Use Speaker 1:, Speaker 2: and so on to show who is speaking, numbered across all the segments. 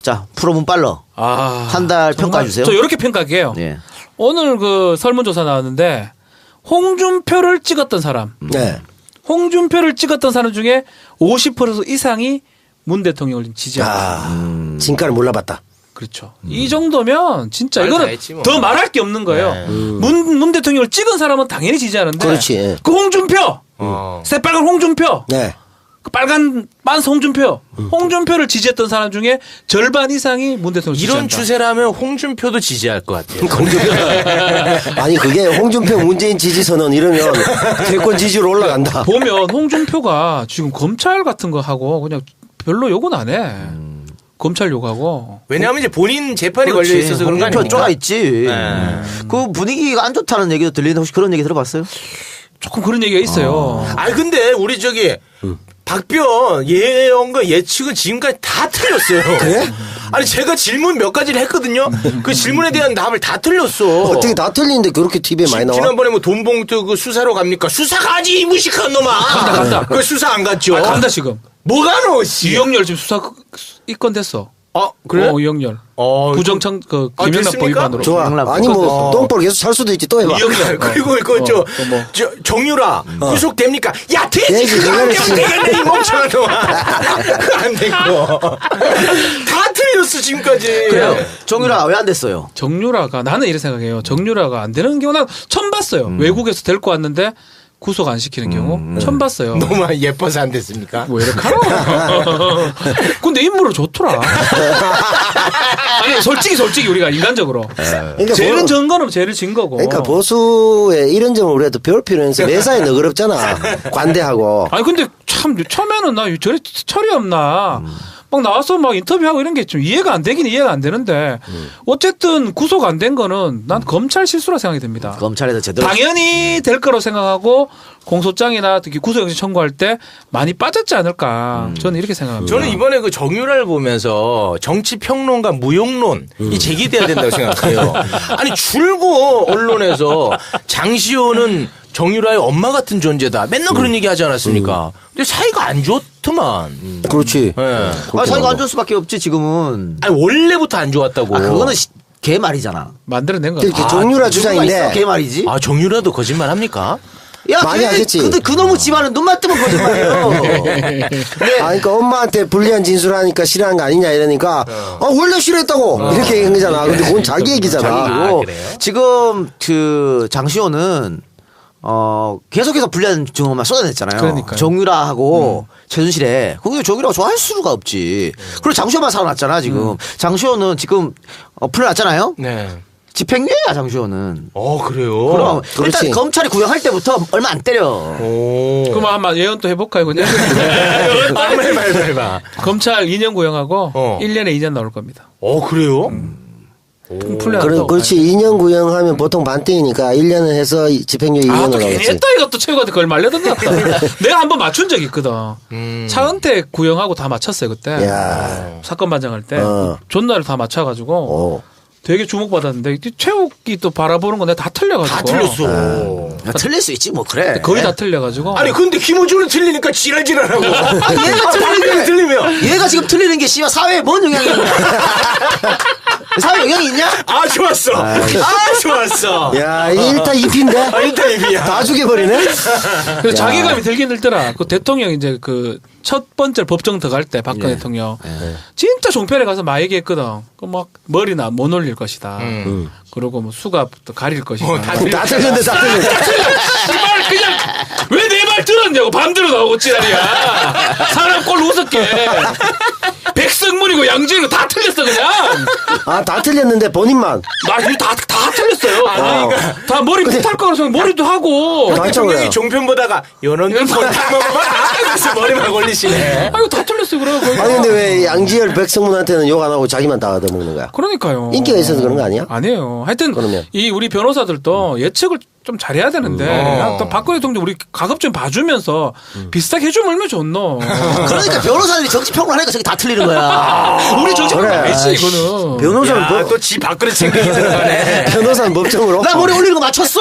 Speaker 1: 자, 프로문 빨러. 한 달 평가해 주세요.
Speaker 2: 저 이렇게 평가할게요.
Speaker 1: 예.
Speaker 2: 오늘 그 설문조사 나왔는데 홍준표를 찍었던 사람.
Speaker 3: 네.
Speaker 2: 홍준표를 찍었던 사람 중에 50% 이상이 문 대통령을 지지한다.
Speaker 3: 진가를 몰라봤다.
Speaker 2: 그렇죠. 이 정도면 진짜
Speaker 4: 말
Speaker 2: 이거는
Speaker 4: 다 했지 뭐.
Speaker 2: 더 말할 게 없는 거예요.
Speaker 4: 네.
Speaker 2: 문 대통령을 찍은 사람은 당연히 지지하는데.
Speaker 3: 그렇지.
Speaker 2: 그 홍준표. 새빨간 홍준표.
Speaker 3: 네.
Speaker 2: 그 빨간 빤스 홍준표. 홍준표를 지지했던 사람 중에 절반 이상이 문 대통령을
Speaker 4: 이런
Speaker 2: 지지한다.
Speaker 4: 추세라면 홍준표도 지지할 것 같아요.
Speaker 3: 아니 그게 홍준표 문재인 지지선언 이러면 대권 지지로 올라간다.
Speaker 2: 보면 홍준표가 지금 검찰 같은 거 하고 그냥 별로 욕은 안 해. 검찰 욕하고.
Speaker 4: 왜냐하면 이제 본인 재판이
Speaker 1: 그렇지.
Speaker 4: 걸려 있어서 그런 거
Speaker 1: 홍준표
Speaker 4: 아닙니까?
Speaker 1: 쪼가 있지.
Speaker 4: 네.
Speaker 1: 그 분위기가 안 좋다는 얘기도 들리는데 혹시 그런 얘기 들어봤어요?
Speaker 2: 조금 그런 얘기가 있어요.
Speaker 4: 아니 근데 우리 저기 박변 예언과 예측은 지금까지 다 틀렸어요.
Speaker 3: 그래?
Speaker 4: 아니 제가 질문 몇 가지를 했거든요. 그 질문에 대한 답을 다 틀렸어.
Speaker 3: 어떻게 다 틀리는데 그렇게 TV에 많이 나와?
Speaker 4: 지난번에 뭐 돈봉투 그 수사로 갑니까? 수사 가지 이 무식한 놈아.
Speaker 2: 간다.
Speaker 4: 그 수사 안 갔죠.
Speaker 2: 아, 간다 지금.
Speaker 4: 뭐가 너 씨.
Speaker 2: 이영렬 지금 수사 입건 됐어.
Speaker 4: 그래?
Speaker 2: 이영렬.
Speaker 4: 그
Speaker 2: 부정청 그
Speaker 4: 아,
Speaker 2: 김영란법
Speaker 4: 됐습니까?
Speaker 2: 위반으로.
Speaker 3: 좋아. 아니 뭐 똥볼 계속 살 수도 있지 또 해봐.
Speaker 4: 이영렬 그리고
Speaker 2: 또 뭐.
Speaker 4: 정유라 구속됩니까? 야 돼지
Speaker 3: 돼지,
Speaker 4: 그거 안
Speaker 3: 그거는
Speaker 4: 되면 되겠네 이 멍청한 놈아. 그거 안 됐고 다 틀렸어 지금까지.
Speaker 1: 그래요. 정유라 왜 안 됐어요?
Speaker 2: 정유라가 나는 이렇게 생각해요. 정유라가 안 되는 경우 난 처음 봤어요. 외국에서 데리고 왔는데 구속 안 시키는 경우 처음 봤어요.
Speaker 4: 너무 예뻐서 안 됐습니까?
Speaker 2: 왜 이렇게 하나? 근데 인물은 좋더라. 아니 솔직히 우리가 인간적으로
Speaker 3: 그러니까
Speaker 2: 죄는
Speaker 3: 뭐-
Speaker 2: 전 거는 죄를 진 거고.
Speaker 3: 그러니까 보수의 이런 점을 우리가 또 배울 필요는 있어. 매사에 너그럽잖아. 관대하고.
Speaker 2: 아니 근데 참 처음에는 나 저래 철이 없나. 막 나와서 막 인터뷰하고 이런 게 좀 이해가 안 되긴 이해가 안 되는데 어쨌든 구속 안 된 거는 난 검찰 실수라 생각이 듭니다.
Speaker 1: 검찰에서 제대로
Speaker 2: 당연히 될 거라고 생각하고 공소장이나 특히 구속영장 청구할 때 많이 빠졌지 않을까. 저는 이렇게 생각합니다.
Speaker 4: 저는 이번에 그 정유라를 보면서 정치 평론가 무용론이 제기돼야 된다고 생각해요. 아니 줄고 언론에서 장시호는 정유라의 엄마 같은 존재다. 맨날 그런 얘기 하지 않았습니까? 근데 사이가 안 좋더만.
Speaker 3: 그렇지.
Speaker 4: 예.
Speaker 1: 사이가 안 좋을 수밖에 없지 지금은.
Speaker 4: 아니 원래부터 안 좋았다고.
Speaker 1: 그거는 개 말이잖아.
Speaker 2: 만들어낸 거.
Speaker 3: 이렇게 정유라 주장인데.
Speaker 1: 개 말이지.
Speaker 4: 아 정유라도 거짓말 합니까?
Speaker 1: 야,
Speaker 3: 많이 하겠지.
Speaker 1: 근데 그놈의 집안은 눈만 뜨면 거짓말이에요.
Speaker 3: 아, 그러니까 엄마한테 불리한 진술하니까 싫어하는 거 아니냐 이러니까 원래 싫어했다고 이렇게 얘기한 거잖아. 근데 그건 자기 얘기잖아.
Speaker 1: 그리고
Speaker 4: 그래요?
Speaker 1: 지금 그 장시호는 계속해서 불리한 증언만 쏟아냈잖아요.
Speaker 2: 그러니까요.
Speaker 1: 정유라하고 최순실에. 그게 정유라가 좋아할 수가 없지. 그리고 장시호만 살아났잖아 지금. 장시호는 지금 풀려났잖아요.
Speaker 4: 네.
Speaker 1: 집행유예야 장시호는.
Speaker 4: 그래요?
Speaker 1: 그럼
Speaker 3: 그렇지.
Speaker 1: 일단 검찰이 구형할 때부터 얼마 안 때려.
Speaker 4: 오.
Speaker 2: 그럼 한번 예언 또 해볼까요, 그냥?
Speaker 4: 해봐.
Speaker 2: 검찰 2년 구형하고 1년에 2년 나올 겁니다.
Speaker 4: 그래요?
Speaker 2: 풀려난다고.
Speaker 3: 그렇지. 2년 구형하면 보통 반대이니까 1년을 해서 집행유예 2년으로
Speaker 2: 또 괜히
Speaker 3: 하겠지.
Speaker 2: 했다 이것도 최고한테 그걸 말려든다. 내가 한번 맞춘 적이 있거든. 차은택 구형하고 다 맞췄어요 그때.
Speaker 3: 야.
Speaker 2: 사건 반장할 때
Speaker 3: 어.
Speaker 2: 존나를 다 맞춰가지고 되게 주목받았는데 최욱이 또 바라보는 거 내가 다 틀려가지고.
Speaker 4: 다 틀렸어.
Speaker 1: 야, 틀릴 수 있지 뭐 그래.
Speaker 2: 거의 다 틀려가지고.
Speaker 4: 아니 근데 김호준은 틀리니까 지랄지랄하고.
Speaker 1: 얘가
Speaker 4: 틀리면 틀리면.
Speaker 1: 얘가 지금 틀리는 게 씨발 사회에 뭔 영향이 있냐? 사회 영향이 있냐?
Speaker 4: 아 좋았어. 좋았어.
Speaker 3: 야, 1타 2피인데?
Speaker 4: 인터뷰야.
Speaker 3: 다 죽여버리네?
Speaker 2: 그래서 자괴감이 들긴 들더라. 그 대통령 이제 그 첫 번째 법정 들어갈 때 박근혜 대통령 진짜 종편에 가서 막 얘기했거든. 그 막 머리나 못 올릴 것이다. 그리고 뭐 수갑도 가릴 것이다.
Speaker 3: 다 틀렸는데 다 틀렸는데.
Speaker 2: 씨발 그냥 왜 내 말 들었냐고 밤대로 나오고 지랄이야. 사람 꼴 우습게. 백성문이고 양지이고 다 틀렸어 그냥.
Speaker 3: 아, 다 틀렸는데 본인만.
Speaker 2: 나 이거 다 틀렸어요. 다 머리 못할 거라서 머리도 하고.
Speaker 4: 대통령이 종편 보다가 연원님 그래서 머리만 걸리시네.
Speaker 2: 아이고 다 틀렸어 그래.
Speaker 3: 아니, 근데 왜 양지열 백성문한테는 욕 안 하고 자기만 다 얻어먹는 거야?
Speaker 2: 그러니까요.
Speaker 3: 인기가 있어서 그런 거 아니야?
Speaker 2: 아니에요. 하여튼
Speaker 3: 그러면.
Speaker 2: 이 우리 변호사들도 예측을 좀 잘해야 되는데 또 박근혜 대통령 우리 가급 좀 봐주면서 비슷하게 해주면 얼마나 좋노.
Speaker 1: 그러니까 변호사들이 정치 평론하니까 저게 다 틀리는 거야.
Speaker 2: 우리 정치
Speaker 3: 그래.
Speaker 2: 아니지 이거는.
Speaker 3: 변호사는 법,
Speaker 4: 또지 밥그릇 챙기기 들어가네.
Speaker 3: 변호사는 법정으로.
Speaker 1: 나 머리 올리는 거 맞췄어.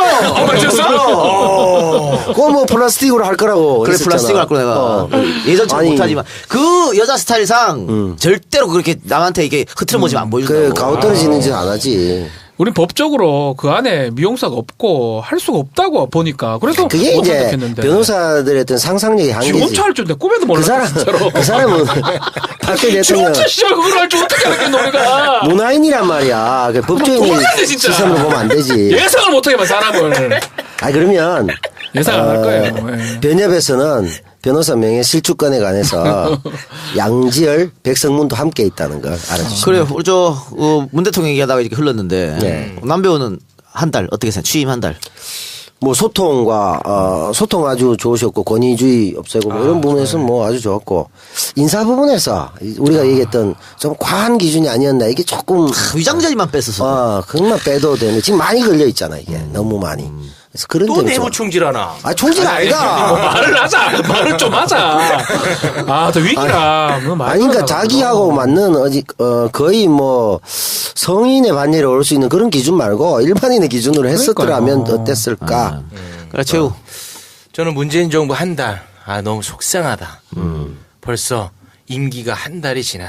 Speaker 4: 맞췄어?
Speaker 3: 그거 뭐 플라스틱으로 할 거라고.
Speaker 1: 그래
Speaker 3: 했었잖아.
Speaker 1: 플라스틱을 할 거 내가 예전처럼
Speaker 3: 아니,
Speaker 1: 못하지만 그 여자 스타일상 절대로 그렇게 남한테 이게 흐트러머지면 안 보여준다고.
Speaker 3: 그 가오 떨어지는 짓 안 하지.
Speaker 2: 우린 법적으로 그 안에 미용사가 없고 할 수가 없다고 보니까 그래서
Speaker 3: 그게
Speaker 2: 못
Speaker 3: 이제
Speaker 2: 선택했는데.
Speaker 3: 변호사들의 어떤 상상력의
Speaker 2: 지
Speaker 3: 한계지.
Speaker 2: 혼자 할 줄 내가 꿈에도
Speaker 3: 그
Speaker 2: 몰랐어
Speaker 3: 사람,
Speaker 2: 진짜로.
Speaker 3: 그 사람은 박근혜
Speaker 2: 지
Speaker 3: 대통령
Speaker 2: 혼자 씨발 그걸 할 줄 어떻게 알았겠노 우리가.
Speaker 3: 문화인이란 말이야. 그 법조인이
Speaker 2: 몰라야 돼, 진짜.
Speaker 3: 시선으로 보면 안 되지.
Speaker 2: 예상을 못하게 만 사람을.
Speaker 3: 아 그러면
Speaker 2: 예상 안 할 거예요. 예.
Speaker 3: 변협에서는 변호사 명예 실추권에 관해서 양지열, 백성문도 함께 있다는 걸 알아주시죠.
Speaker 1: 그래요. 우리 문 대통령 얘기하다가 이렇게 흘렀는데
Speaker 3: 네.
Speaker 1: 남배우는 한 달 어떻게 생각? 취임 한 달.
Speaker 3: 뭐 소통과 소통 아주 좋으셨고 권위주의 없애고 뭐 이런 부분에서 뭐 아주 좋았고 인사 부분에서 우리가 얘기했던 좀 과한 기준이 아니었나 이게 조금
Speaker 1: 위장자리만 뺐었어.
Speaker 3: 그것만 빼도 되는데 지금 많이 걸려 있잖아 이게 너무 많이. 그래서 그런
Speaker 4: 또
Speaker 3: 점이
Speaker 4: 내부
Speaker 3: 좀-
Speaker 4: 충질하나?
Speaker 3: 아 총질
Speaker 2: 뭐
Speaker 3: 아니다.
Speaker 2: 말을 하자. 말을 좀 하자. 아, 더 위기라. 뭐 말
Speaker 3: 아니 그러니까
Speaker 2: 하자고.
Speaker 3: 자기하고 맞는 거의 뭐 성인의 반열에 올 수 있는 그런 기준 말고 일반인의 기준으로 했었더라면
Speaker 2: 그러니까요.
Speaker 3: 어땠을까?
Speaker 1: 그래 최우.
Speaker 4: 저는 문재인 정부 한 달. 아, 너무 속상하다. 벌써 임기가 한 달이 지나.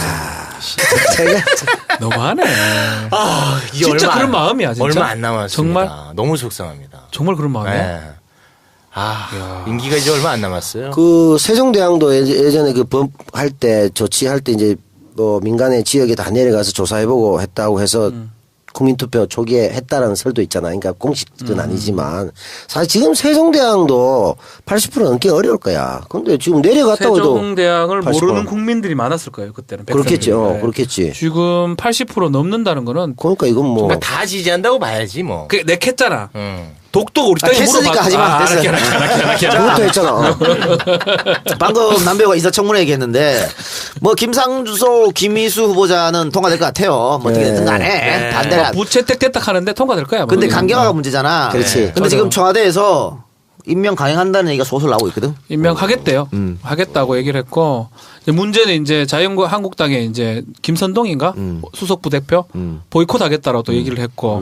Speaker 3: 제가
Speaker 2: 너무하네.
Speaker 4: 아, 이
Speaker 2: 진짜
Speaker 4: 얼마
Speaker 2: 그런 마음이야, 진짜.
Speaker 4: 얼마 안 남았습니다.
Speaker 2: 정말?
Speaker 4: 너무 속상합니다.
Speaker 2: 정말 그런 마음이야.
Speaker 4: 네. 아, 임기가 이제 얼마 안 남았어요.
Speaker 3: 그 세종대왕도 예전에 그 법할 때 조치할 때 이제 뭐 민간의 지역에 다 내려가서 조사해보고 했다고 해서 국민투표 초기에 했다라는 설도 있잖아. 그러니까 공식은 아니지만 사실 지금 세종대왕도 80% 넘기 어려울 거야. 근데 지금 내려갔다고 해도
Speaker 2: 세종대왕을
Speaker 3: 80%.
Speaker 2: 모르는 국민들이 많았을 거예요 그때는.
Speaker 3: 그렇겠지.
Speaker 2: 백성들이. 네.
Speaker 3: 그렇겠지.
Speaker 2: 지금 80% 넘는다는 거는
Speaker 3: 그러니까 이건 뭐
Speaker 4: 그러니까 다 지지한다고 봐야지 뭐.
Speaker 2: 그 내 캤잖아. 독도 우리 땅에
Speaker 1: 했으니까
Speaker 2: 물어봐.
Speaker 1: 하지 마. 됐어.
Speaker 3: 그것도 했잖아.
Speaker 1: 방금 남배우가 인사청문회 얘기했는데 뭐 김상조, 김희수 후보자는 통과될 것 같아요. 뭐 어떻게 됐든 간에 반대가.
Speaker 2: 부채택 됐다 하는데 통과될 거야.
Speaker 1: 근데
Speaker 2: 뭐.
Speaker 1: 강경화가 문제잖아.
Speaker 3: 그렇지.
Speaker 1: 근데 지금 청와대에서 임명 강행한다는 얘기가 소설 나오고 있거든.
Speaker 2: 임명하겠대요. 하겠다고 얘기를 했고 이제 문제는 이제 자유한국당의 이제 김선동인가 수석 부대표 보이콧하겠다라고 또 얘기를 했고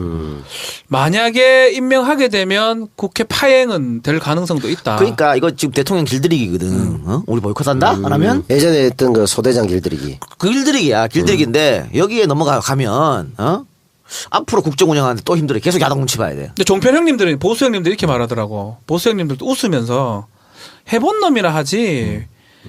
Speaker 2: 만약에 임명하게 되면 국회 파행은 될 가능성도 있다.
Speaker 1: 그러니까 이거 지금 대통령 길들이기거든. 어? 우리 보이콧한다? 안 하면
Speaker 3: 예전에 했던 그 소대장 길들이기.
Speaker 1: 그 길들이기야. 길들이기인데 여기에 넘어가면 앞으로 국정 운영하는데 또 힘들어. 계속 야당 눈치 봐야 돼.
Speaker 2: 근데 종편 형님들은 보수 형님들 이렇게 말하더라고. 보수 형님들도 웃으면서 해본 놈이라 하지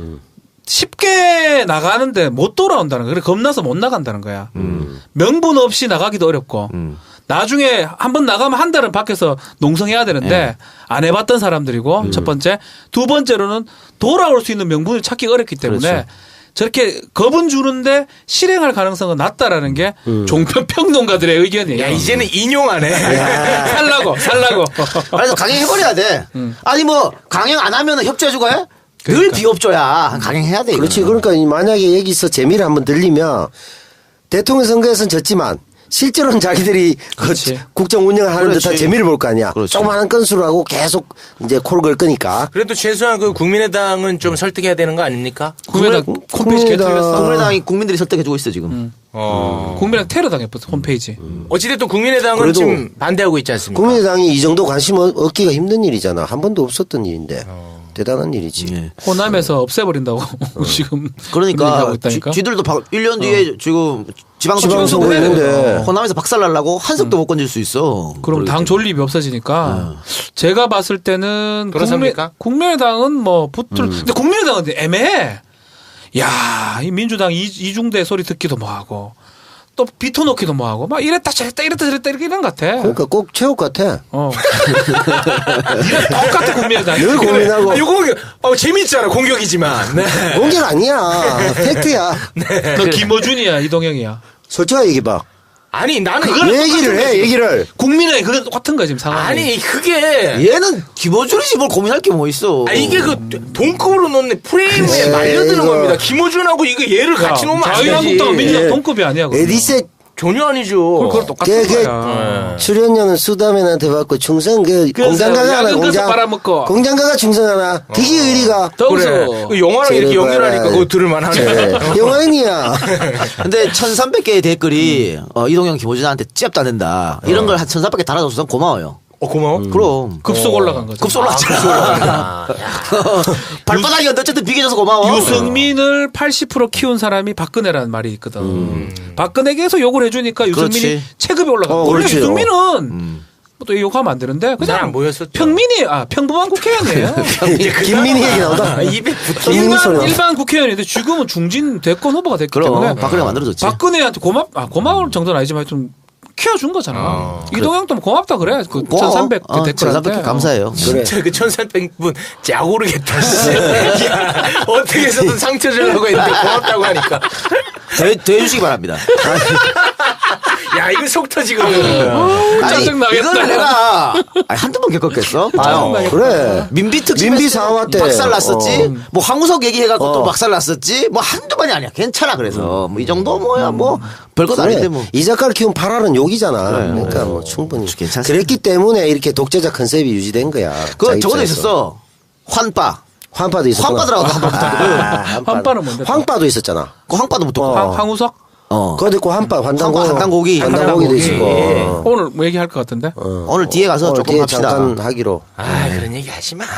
Speaker 2: 쉽게 나가는데 못 돌아온다는 거야. 그래 겁나서 못 나간다는 거야. 명분 없이 나가기도 어렵고 나중에 한번 나가면 한 달은 밖에서 농성해야 되는데 안 해봤던 사람들이고 첫 번째. 두 번째로는 돌아올 수 있는 명분을 찾기 어렵기 때문에
Speaker 3: 그렇죠.
Speaker 2: 저렇게 겁은 주는데 실행할 가능성은 낮다라는 게 종편 평론가들의 의견이에요.
Speaker 4: 야, 이제는 인용하네.
Speaker 2: 살라고.
Speaker 1: 그래서 강행해버려야 돼. 아니 뭐 강행 안 하면 협조해주고 해? 늘 비협조야. 강행해야 돼.
Speaker 3: 그렇지.
Speaker 1: 이거는.
Speaker 3: 그러니까 만약에 여기서 재미를 한번 들리면 대통령 선거에서는 졌지만 실제로는 자기들이 그
Speaker 2: 그렇지.
Speaker 3: 국정 운영을 하는
Speaker 1: 그렇지.
Speaker 3: 듯한 재미를 볼 거 아니야.
Speaker 1: 그렇지.
Speaker 3: 조그마한 건수로 하고 계속 이제 코를 걸 거니까.
Speaker 4: 그래도 최소한 그 국민의당은 좀 설득해야 되는 거 아닙니까?
Speaker 2: 국민의당 홈페이지
Speaker 3: 국민의당-
Speaker 2: 개털렸어.
Speaker 1: 국민의당이 국민들이 설득해주고 있어 지금.
Speaker 2: 국민의당 테러 당했어 홈페이지.
Speaker 4: 어찌됐든 국민의당은
Speaker 3: 그래도
Speaker 4: 지금 반대하고 있지 않습니까?
Speaker 3: 국민의당이 이 정도 관심 얻기가 힘든 일이잖아. 한 번도 없었던 일인데. 대단한 일이지.
Speaker 1: 예.
Speaker 2: 호남에서 없애버린다고 지금 그런 얘기하고
Speaker 1: 그러니까
Speaker 2: 있다니까.
Speaker 1: 쥐들도 1년 뒤에 지금 지방선거
Speaker 3: 지방선거 있는데.
Speaker 1: 호남에서 박살나려고 한석도 못 건질 수 있어.
Speaker 2: 그럼 당 존립이 없어지니까 제가 봤을 때는
Speaker 4: 그렇습니까?
Speaker 2: 국민의당은 뭐 붙을 근데 국민의당은 애매해. 야, 이 민주당 이중대 소리 듣기도 뭐하고 또 비토놓기도 뭐하고 막 이랬다 저랬다 이런 것 같아.
Speaker 3: 그러니까 꼭 체육 같아.
Speaker 2: 똑같아 국민의당.
Speaker 3: 늘 고민하고.
Speaker 4: 아, 요거 재밌잖아. 공격이지만. 네.
Speaker 3: 공격 아니야. 팩트야.
Speaker 2: 너 김어준이야 이동영이야.
Speaker 3: 솔직하게 얘기해봐.
Speaker 4: 아니 나는
Speaker 3: 얘기를 해, 얘기를.
Speaker 2: 국민의당이 그건 똑같은 거야 지금 상황이.
Speaker 4: 아니 그게
Speaker 1: 얘는 김어준이지 뭘 고민할 게 뭐 있어.
Speaker 4: 이게 그 동급으로 놓는 프레임에 말려드는
Speaker 3: 이거.
Speaker 4: 겁니다. 김어준하고 이거 얘를 같이 놓으면 안 되지.
Speaker 2: 자유한국당은 민주당 동급이 아니야. 그러면.
Speaker 3: 에디세
Speaker 4: 전혀 아니죠.
Speaker 2: 그걸 똑같은 거야.
Speaker 3: 출연료는 수다맨한테 받고 충성 공장가가 하나 공장가가 충성하나 되게 의리가
Speaker 4: 그래. 그 영화랑 이렇게 연결하니까 그거 들을만하네.
Speaker 3: 영화인이야.
Speaker 1: 근데 1,300개의 댓글이 이동영 김호준한테 찌압도 안 된다. 이런 걸 한 1,300개 달아줘서 고마워요.
Speaker 4: 고마워.
Speaker 1: 그럼
Speaker 2: 급속 올라간 거죠.
Speaker 1: 급속 올랐지. 발바닥이 어쨌든 비교져서 고마워.
Speaker 2: 유승민을 80% 키운 사람이 박근혜라는 말이 있거든. 박근혜에게서 욕을 해주니까 유승민이
Speaker 1: 그렇지.
Speaker 2: 체급이 올라가. 원래
Speaker 3: 그렇지.
Speaker 2: 유승민은 또 욕하면 안 되는데
Speaker 4: 잘 안
Speaker 2: 그냥
Speaker 4: 보였었죠.
Speaker 2: 평범한 국회의원이에요.
Speaker 3: 김민희 얘기 나오다.
Speaker 4: 입에 붙어.
Speaker 3: 김민희 소리 나온다.
Speaker 2: 일반 국회의원인데 지금은 중진 대권 후보가 됐기
Speaker 1: 그럼
Speaker 2: 때문에
Speaker 1: 박근혜가 만들어줬지.
Speaker 2: 박근혜한테 고마울 정도는 아니지만 좀 키워준 거잖아. 이동영도 고맙다 그래. 그 1,300 댓글한테.
Speaker 1: 1,300개 감사해요.
Speaker 4: 진짜 그 1,300분 짜고르겠다. 야, 어떻게 해서든 상처 주려고 했는데 고맙다고 하니까.
Speaker 1: 대해주시기 바랍니다.
Speaker 4: 야, 이거 속 터지거든.
Speaker 2: 짜증나겠다.
Speaker 1: 이걸 내가 한두 번 겪었겠어? 봐요.
Speaker 3: 그래.
Speaker 1: 민비 특집
Speaker 3: 민비 사화 때.
Speaker 1: 박살 났었지. 뭐 황우석 얘기해갖고 또 박살 났었지. 뭐 한두 번이 아니야. 괜찮아. 그래서 뭐 이 정도 뭐야 뭐 별것 아닌데 뭐.
Speaker 3: 이 작가를 키운 파라는 욕이잖아. 그러니까 뭐 충분히
Speaker 1: 괜찮습니다.
Speaker 3: 그랬기 때문에 이렇게 독재자 컨셉이 유지된 거야.
Speaker 1: 그
Speaker 3: 자기
Speaker 1: 저거도
Speaker 3: 입장에서.
Speaker 1: 있었어. 환빠.
Speaker 3: 황빠도 있었구나.
Speaker 1: 황빠들하고
Speaker 2: 황빠는 뭔데?
Speaker 3: 황빠도 있었잖아.
Speaker 1: 그 황빠도 못 듣고.
Speaker 2: 황우석?
Speaker 3: 거기 있고 한빠
Speaker 1: 한단고기.
Speaker 3: 한단고기도 있고.
Speaker 2: 오늘 뭐 얘기할 것 같은데?
Speaker 1: 오늘 뒤에 가서
Speaker 3: 오늘
Speaker 1: 조금
Speaker 3: 뒤에
Speaker 1: 합시다.
Speaker 3: 잠깐 하기로.
Speaker 4: 그런 얘기 하지 마.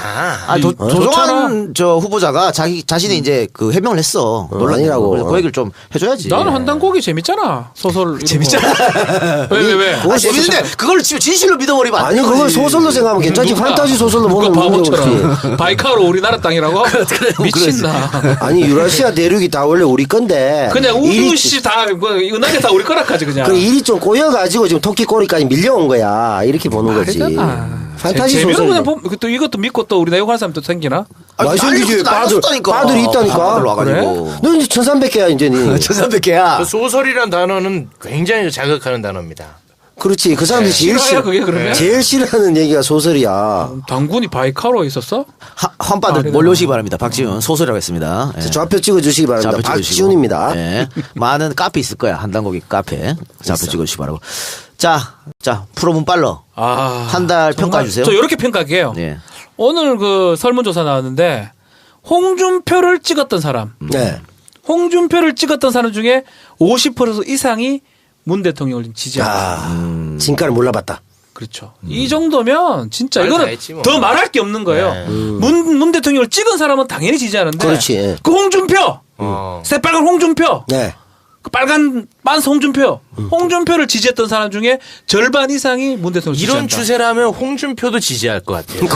Speaker 1: 조정환 저 후보자가 자신이 이제 그 해명을 했어. 논란이라고. 그래서 그 얘기를 좀 해줘야지.
Speaker 2: 나는 한단고기 재밌잖아. 소설. 재밌잖아. 왜?
Speaker 1: 재밌는데 그걸 지금 진실로 믿어버리면 안
Speaker 3: 아니
Speaker 1: 돼.
Speaker 3: 그걸 소설로 생각하면 괜찮지. 판타지 소설로 보면 문제 없지.
Speaker 2: 바보처럼. 바이카로 우리나라 땅이라고? 미친다.
Speaker 3: 아니 유라시아 대륙이 다 원래 우리 건데.
Speaker 2: 그냥 우주시 다 은하계 다 우리 거라까지 그냥.
Speaker 3: 그 일이 좀 꼬여가지고 지금 토끼 꼬리까지 밀려온 거야. 이렇게 보는 거지.
Speaker 2: 말이잖아.
Speaker 3: 판타지
Speaker 2: 재미로
Speaker 3: 소설.
Speaker 2: 그냥 보면 또 이것도 믿고 또 우리 내용하는 사람도 생기나?
Speaker 3: 많이 생기지. 빠들이 있다니까.
Speaker 1: 와가지고.
Speaker 3: 너 이제 1,300개야 이제 니.
Speaker 1: 1,300개야.
Speaker 4: 그 소설이란 단어는 굉장히 자극하는 단어입니다.
Speaker 3: 그렇지. 그 사람들이 제일
Speaker 2: 싫어요, 그게 그러면?
Speaker 3: 제일 싫어하는 얘기가 소설이야.
Speaker 2: 당군이 바이카로 있었어?
Speaker 1: 환빠들 몰려오시기 바랍니다. 박지훈 소설이라고 했습니다. 예.
Speaker 3: 좌표 찍어주시기 바랍니다.
Speaker 1: 좌표 찍어주시고.
Speaker 3: 박지훈입니다.
Speaker 1: 예. 많은 카페 있을 거야. 한단고기 카페. 좌표 찍어주시기 바라고. 자, 프로 문빨러. 한 달 평가해 주세요.
Speaker 2: 저 이렇게 평가할게요.
Speaker 1: 예.
Speaker 2: 오늘 그 설문조사 나왔는데 홍준표를 찍었던 사람.
Speaker 3: 네.
Speaker 2: 홍준표를 찍었던 사람 중에 50% 이상이 문 대통령을 지지한다.
Speaker 3: 진가를 몰라봤다.
Speaker 2: 그렇죠. 이 정도면 진짜
Speaker 4: 말 다
Speaker 2: 이거는
Speaker 4: 했지 뭐.
Speaker 2: 더 말할 게 없는 거예요. 문 대통령을 찍은 사람은 당연히 지지하는데.
Speaker 3: 그렇지.
Speaker 2: 그 홍준표, 새빨간 홍준표,
Speaker 3: 네.
Speaker 2: 그 빨간 빤스 홍준표, 홍준표를 지지했던 사람 중에 절반 이상이 문 대통령을 지지한다.
Speaker 4: 이런 추세라면 홍준표도 지지할 것 같아요.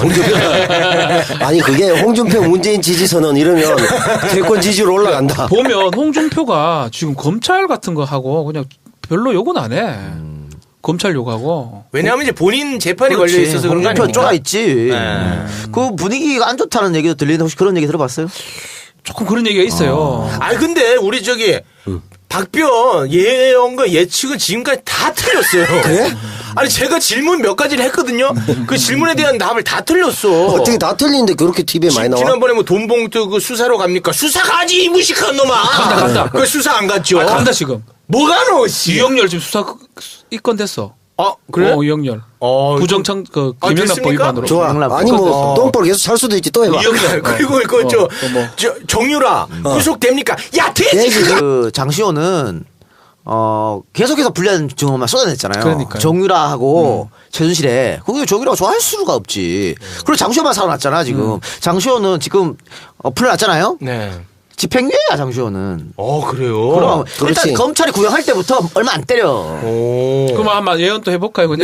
Speaker 3: 아니 그게 홍준표 문재인 지지 선언 이러면 대권 지지로 올라간다.
Speaker 2: 보면 홍준표가 지금 검찰 같은 거 하고 그냥 별로 욕은 안 해. 검찰 욕하고.
Speaker 4: 왜냐하면 이제 본인 재판이 걸려 있어서 그런 거
Speaker 1: 홍준표
Speaker 4: 아닙니까?
Speaker 1: 쪼가 있지.
Speaker 4: 네.
Speaker 1: 그 분위기가 안 좋다는 얘기도 들리는데 혹시 그런 얘기 들어봤어요?
Speaker 2: 조금 그런 얘기가 있어요.
Speaker 4: 아니 근데 우리 저기 박변 예언과 예측은 지금까지 다 틀렸어요.
Speaker 3: 그래?
Speaker 4: 아니 제가 질문 몇 가지를 했거든요. 그 질문에 대한 답을 다 틀렸어.
Speaker 3: 어떻게 다 틀리는데 그렇게 TV에 많이 나와?
Speaker 4: 지난번에 뭐 돈봉투 그 수사로 갑니까? 수사 가지 이 무식한 놈아.
Speaker 2: 간다.
Speaker 4: 그 수사 안 갔죠.
Speaker 2: 간다 지금.
Speaker 4: 뭐가 너 씨.
Speaker 2: 이영렬 지금 수사 입건 됐어.
Speaker 4: 그래?
Speaker 2: 이영렬.
Speaker 4: 부정청
Speaker 2: 부정청 김영란법 위반으로.
Speaker 3: 좋아. 아니 뭐 똥볼 계속 살 수도 있지 또 해봐.
Speaker 4: 이영렬 그리고 이거 저 정유라 구속됩니까? 야 돼지.
Speaker 1: 그 장시호는 계속해서 불리한 증언만 쏟아냈잖아요.
Speaker 2: 그러니까요.
Speaker 1: 정유라하고 최순실에 그게 정유라가 좋아할 수가 없지. 그리고 장시호만 살아났잖아 지금. 장시호는 지금 풀려났잖아요.
Speaker 4: 네.
Speaker 1: 집행유예야 장시호는.
Speaker 4: 그래요.
Speaker 1: 그럼
Speaker 3: 그렇지.
Speaker 1: 일단 검찰이 구형할 때부터 얼마 안 때려.
Speaker 2: 그럼 한번 예언 또 해볼까요 그냥?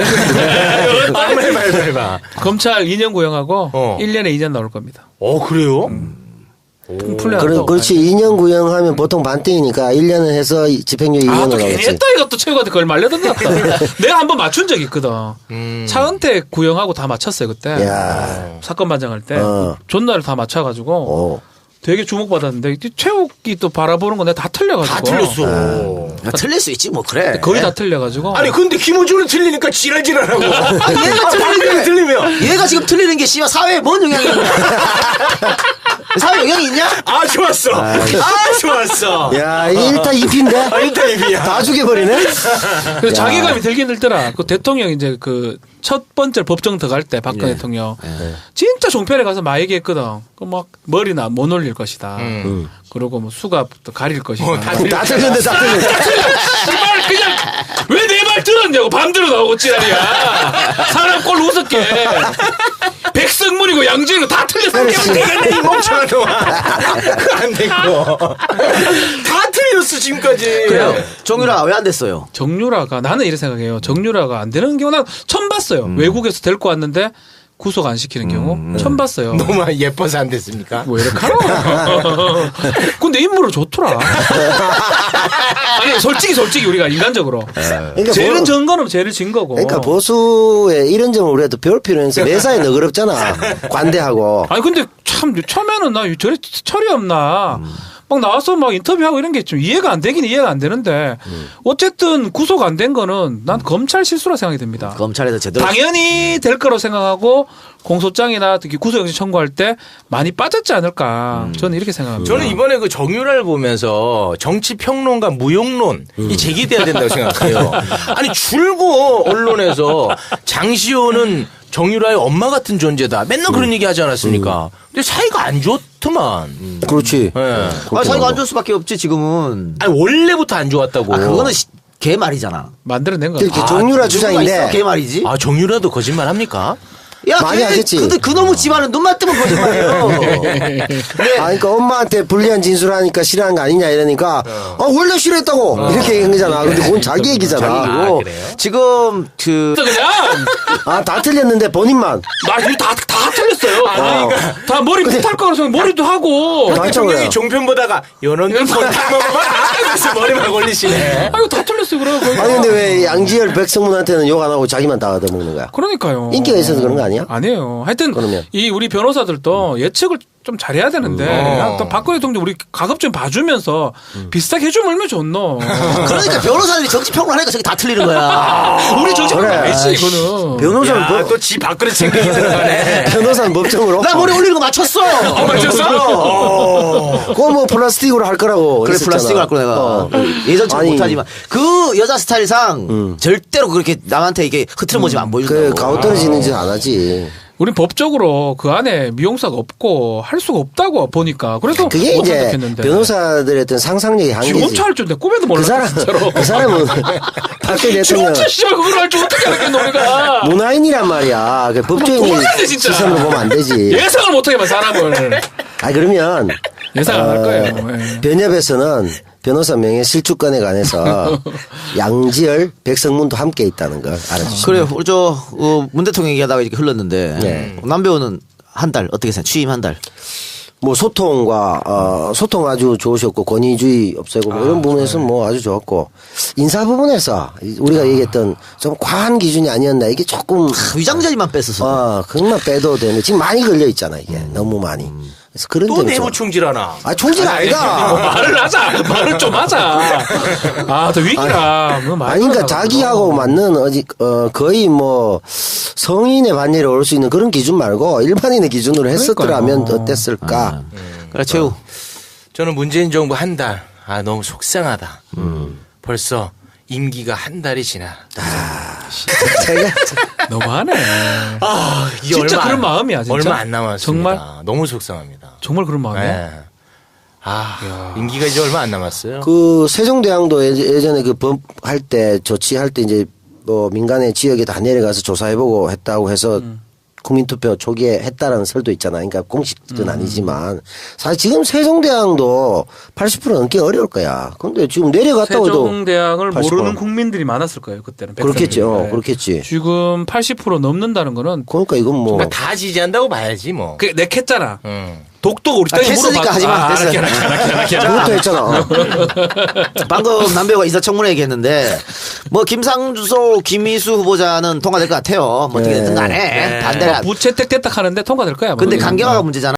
Speaker 4: 해봐.
Speaker 2: 검찰 2년 구형하고 1년에 2년 나올 겁니다.
Speaker 4: 그래요?
Speaker 2: 풀려난다고.
Speaker 3: 그렇지. 2년 구형하면 보통 반대이니까 1년을 해서 집행유예 2년을
Speaker 2: 또 괜히
Speaker 3: 나오겠지.
Speaker 2: 했다 이것도 최고한테 그걸 말려던 것 같다. 내가 한번 맞춘 적이 있거든. 차은택 구형하고 다 맞췄어요 그때.
Speaker 3: 야.
Speaker 2: 사건 반장할 때. 존나를 다 맞춰가지고 되게 주목받았는데 최욱이 또 바라보는 건 내가 다 틀려가지고.
Speaker 4: 다 틀렸어.
Speaker 1: 틀릴 수 있지 뭐 그래.
Speaker 2: 거의 다 틀려가지고.
Speaker 4: 아니 근데 김호준은 틀리니까 지랄지랄하고.
Speaker 1: 얘가
Speaker 4: 틀리면.
Speaker 1: 얘가 지금 틀리는 게 씨발 사회에 뭔 영향이 있냐. 사회 영향이 있냐?
Speaker 4: 아, 좋았어. 좋았어.
Speaker 3: 야, 1타 2피인데?
Speaker 4: 1타 2피야.
Speaker 3: 다 죽여버리네?
Speaker 2: 그래서 자괴감이 들긴 들더라. 그 대통령 이제 그 첫 번째 법정 들어갈 때 박근혜 대통령 진짜 종편에 가서 막 얘기했거든. 그 막 머리나 못 올릴 것이다. 그리고 뭐 수갑도 가릴 것이다.
Speaker 3: 다 틀렸는데 다 틀렸네.
Speaker 2: 말 그냥 왜 내 말 들었냐고 밤새로 나오고 지랄이야. 사람 꼴 우습게. 백성문이고 양지이고 다 틀렸어.
Speaker 4: 되겠네, 이 멍청한 놈아. 안 됐고. 다 틀렸어, 지금까지.
Speaker 1: 그래요. 정유라 왜 안 됐어요?
Speaker 2: 정유라가 나는 이렇게 생각해요. 정유라가 안 되는 경우 난 처음 봤어요. 외국에서 데리고 왔는데 구속 안 시키는 경우 처음 봤어요.
Speaker 4: 너무 예뻐서 안 됐습니까?
Speaker 2: 왜 이렇게 하나? 근데 인물은 좋더라. 아니 솔직히 우리가 인간적으로
Speaker 3: 그러니까
Speaker 2: 죄는 전 거는 죄를 진 거고.
Speaker 3: 그러니까 보수의 이런 점을 우리가 배울 필요는 있어. 매사에 너그럽잖아. 관대하고.
Speaker 2: 아니 근데 참 처음에는 나 저래 철이 없나. 막 나와서 막 인터뷰하고 이런 게 좀 이해가 안 되긴 이해가 안 되는데 어쨌든 구속 안 된 거는 난 검찰 실수라 생각이 듭니다.
Speaker 1: 검찰에서 제대로
Speaker 2: 당연히 될 거라고 생각하고 공소장이나 특히 구속영장 청구할 때 많이 빠졌지 않을까 저는 이렇게 생각합니다.
Speaker 4: 저는 이번에 그 정유라를 보면서 정치 평론가 무용론이 제기돼야 된다고 생각해요. 아니 줄고 언론에서 장시호는 정유라의 엄마 같은 존재다. 맨날 그런 얘기 하지 않았습니까? 근데 사이가 안 좋더만.
Speaker 3: 그렇지.
Speaker 4: 네.
Speaker 1: 사이가 안 좋을 수밖에 없지 지금은.
Speaker 4: 아니 원래부터 안 좋았다고.
Speaker 1: 그거는 개 말이잖아.
Speaker 2: 만들어낸 거.
Speaker 3: 그렇게 정유라 주장인데.
Speaker 1: 개 말이지.
Speaker 4: 아 정유라도 거짓말 합니까?
Speaker 1: 야,
Speaker 3: 많이 하겠지.
Speaker 1: 그놈의 집안은 눈만 뜨면 거짓말이에요.
Speaker 3: 아, 그러니까 엄마한테 불리한 진술하니까 싫어하는 거 아니냐 이러니까 원래 싫어했다고 이렇게 얘기한 거잖아. 근데 그건 자기 얘기잖아.
Speaker 1: 그리고
Speaker 4: 그래요?
Speaker 1: 지금
Speaker 2: 그냥
Speaker 3: 다 틀렸는데 본인만.
Speaker 2: 나 이거 다 틀렸어요. 다 머리 못할 거라서 생각 머리도 하고.
Speaker 4: 대통령이 종편 보다가 연원들 그래서 머리만 걸리시네.
Speaker 2: 아이고 다 틀렸어요 그래.
Speaker 3: 아니 근데 왜 양지열 백성문한테는 욕 안 하고 자기만 다 얻어먹는 거야?
Speaker 2: 그러니까요.
Speaker 3: 인기가 있어서 그런 거 아니야?
Speaker 2: 아니에요. 하여튼
Speaker 3: 그러면.
Speaker 2: 이 우리 변호사들도 예측을 좀 잘해야 되는데 또 박근혜 대통령 우리 가급적 봐주면서 비슷하게 해주면 얼마나 좋노.
Speaker 1: 그러니까 변호사들이 정치 평론하니까 저게 다 틀리는 거야.
Speaker 2: 우리 정치평론
Speaker 3: 그래.
Speaker 2: 알지 이거는.
Speaker 3: 변호사는
Speaker 4: 또지 밖으로 챙기기 들어가네.
Speaker 3: 변호사는 법정으로.
Speaker 1: 나 머리 올리는 거 맞췄어.
Speaker 3: 그거 뭐 플라스틱으로 할 거라고.
Speaker 1: 그래
Speaker 3: 했었잖아.
Speaker 1: 플라스틱을 할 거야 내가. 예전처럼
Speaker 3: 아니.
Speaker 1: 못하지만 그 여자 스타일상 절대로 그렇게 남한테 이게 흐트러 모지면 안 보여준다고.
Speaker 3: 그 가오 떨어지는 짓 안 하지.
Speaker 2: 우린 법적으로 그 안에 미용사가 없고 할 수가 없다고 보니까 그래서
Speaker 3: 그게
Speaker 2: 못
Speaker 3: 이제
Speaker 2: 선택했는데.
Speaker 3: 변호사들의 어떤 상상력의
Speaker 2: 지
Speaker 3: 한계지.
Speaker 2: 혼자 할 줄 내 꿈에도 몰랐어 진짜로.
Speaker 3: 그 사람은 박근혜
Speaker 2: 지
Speaker 3: 대통령
Speaker 2: 혼자 시절 그걸 할 줄 어떻게 알았겠노 우리가.
Speaker 3: 문화인이란 말이야. 그 법조인이
Speaker 2: 도망가야 돼, 진짜.
Speaker 3: 시선으로 보면 안 되지.
Speaker 2: 예상을 못하게만 사람을.
Speaker 3: 아 그러면
Speaker 2: 예상 안 할 거예요. 예.
Speaker 3: 변협에서는 변호사 명예 실추권에 관해서 양지열, 백성문도 함께 있다는 걸 알아주시면.
Speaker 1: 그래요. 우리 문 대통령 얘기하다가 이렇게 흘렀는데
Speaker 3: 네.
Speaker 1: 남배우는 한 달 어떻게 생각? 취임 한 달.
Speaker 3: 뭐 소통과 소통 아주 좋으셨고 권위주의 없애고 뭐 이런 부분에서 뭐 아주 좋았고 인사 부분에서 우리가 얘기했던 좀 과한 기준이 아니었나 이게 조금
Speaker 1: 위장자리만 뺐었어.
Speaker 3: 그것만 빼도 되는데 지금 많이 걸려 있잖아 이게 너무 많이. 그래서 그런
Speaker 4: 또
Speaker 3: 점이
Speaker 4: 내부
Speaker 3: 좀.
Speaker 4: 총질하나.
Speaker 3: 총질 아니다.
Speaker 2: 말을 하자. 말을 좀 하자. 아, 더 위기라.
Speaker 3: 아니, 그러니까 자기하고 맞는 거의 뭐 성인의 반열에 올 수 있는 그런 기준 말고 일반인의 기준으로 했었더라면
Speaker 2: 그러니까요.
Speaker 3: 어땠을까?
Speaker 1: 그래 최우.
Speaker 4: 저는 문재인 정부 한 달. 아 너무 속상하다. 벌써 임기가 한 달이 지나.
Speaker 3: 제가
Speaker 2: 너무하네.
Speaker 4: 아, 이게
Speaker 2: 진짜
Speaker 4: 얼마
Speaker 2: 그런
Speaker 4: 안-
Speaker 2: 마음이야, 진짜.
Speaker 4: 얼마 안 남았습니다.
Speaker 2: 정말?
Speaker 4: 너무 속상합니다.
Speaker 2: 정말 그런 마음이야.
Speaker 4: 네. 아, 임기가 이제 얼마 안 남았어요.
Speaker 3: 그 세종대왕도 예전에 그 법 할 때 조치할 때 이제 뭐 민간의 지역에 다 내려가서 조사해보고 했다고 해서 국민투표 초기에 했다라는 설도 있잖아. 그러니까 공식은 아니지만 사실 지금 세종대왕도 80% 넘기 어려울 거야. 근데 지금 내려갔다고 해도
Speaker 2: 세종대왕을
Speaker 3: 80%.
Speaker 2: 모르는 국민들이 많았을 거예요 그때는.
Speaker 3: 그렇겠지.
Speaker 2: 백성들이.
Speaker 3: 그렇겠지.
Speaker 2: 지금 80% 넘는다는 거는
Speaker 3: 그러니까 이건 뭐
Speaker 4: 그러니까 다 지지한다고 봐야지 뭐.
Speaker 2: 그 냈겠잖아. 독도 우리 땅에
Speaker 1: 했으니까 하지 마. 됐어.
Speaker 3: 그것도 했잖아.
Speaker 1: 방금 남배우가 인사청문회 얘기했는데 뭐 김상조, 김희수 후보자는 통과될 것 같아요. 뭐 어떻게 됐든 간에 반대가.
Speaker 2: 부채택 대탁 하는데 통과될 거야.
Speaker 1: 근데
Speaker 2: 모르겠는데.
Speaker 1: 강경화가 문제잖아.